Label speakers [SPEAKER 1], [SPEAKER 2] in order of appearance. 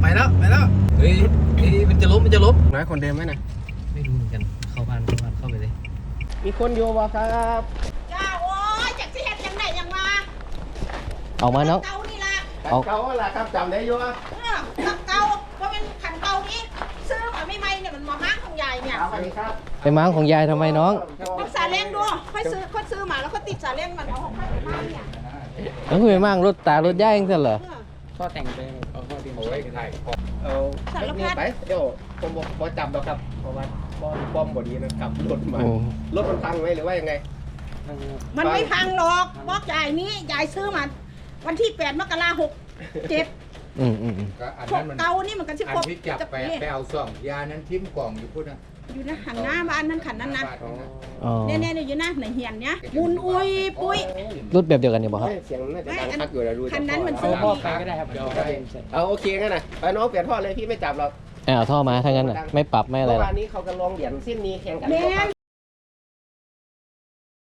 [SPEAKER 1] แล้วเฮ้ยมันจะล้ม
[SPEAKER 2] น้อยคนเดิมไหมนะ
[SPEAKER 1] ไม่รู้เหมือนกันเข้าบ้านเข้าไปเลย
[SPEAKER 2] มีคนอยู่บ่ครับ
[SPEAKER 3] จ้าโอ้ยจากสิเฮ็ดยังไงยังมา
[SPEAKER 4] ออกมาเนาะ
[SPEAKER 3] เก่านี่ละ
[SPEAKER 4] เอา
[SPEAKER 2] เก่าล่ะครับจำได้อยู่ว่า
[SPEAKER 3] เก่าเพราะเป็นขันเก่านี้ซื้อมาไม่ไม่เนี่ยมันมาห้างของยายเนี่ย
[SPEAKER 2] สวัสดีครับ
[SPEAKER 4] ไปม้างของยายทำไมน้อง
[SPEAKER 3] ต้องสาเล้งดูค่อยซื้อมาแล้วก็ติดสาเล้งมันเอาของค่อยไปบ้านเนี่ย
[SPEAKER 4] แล้วคุณไปม้างรถตารถย่ายยังเสร็จเหรอ
[SPEAKER 1] ข้อแต่งไปเอาข้อที่โอ้ยไทย
[SPEAKER 2] เอานี่ไปเดี๋ยวผมบ่จับหรอกครับเพราะว่าป้อมบ่ดีนะขับรถมารถมันพังไหมหรือว่ายังไง
[SPEAKER 3] มันไม่พังหรอกบอกยายนี้ยายซื้อมาวันที่8 มกราคม 67
[SPEAKER 5] ก็อัน
[SPEAKER 3] พว
[SPEAKER 5] นั้
[SPEAKER 3] ก
[SPEAKER 5] นมัน
[SPEAKER 3] เก่านี่มันก็สิ
[SPEAKER 5] อัน
[SPEAKER 3] ครบ
[SPEAKER 5] ที่จับไปเอาซ่องยานั้นทิ้มกล่องอยู่พุ่นนะ
[SPEAKER 3] อยู่นะหันหน้าบ้านนั้นขันนั้นนะ
[SPEAKER 4] อ๋อ
[SPEAKER 3] เนี่ยอยู่นะในเฮียนเนี้ยมุนอุยปุ้ย
[SPEAKER 4] รถแบบเดียวกันอยู่ป่ะครับ
[SPEAKER 2] เสียงน่าจะดังคักอยู่แล้วดู
[SPEAKER 3] คันนั้นมันซื้อ
[SPEAKER 1] พ่อไปก็ได้ครับเดี๋ยวเอาไป
[SPEAKER 2] เอาโอเคงั้นนะไปน้องเปลี่ยนท่อเลยพี่ไม่จับหรอก
[SPEAKER 4] เอาท่อมาถ้างั้นน่ะไม่ปรับไม่อะไร
[SPEAKER 2] เมื่อ
[SPEAKER 4] หรอก
[SPEAKER 2] วานนี้เขาก็ลองเหรียญเส้นนี้แข่งกัน
[SPEAKER 3] แม่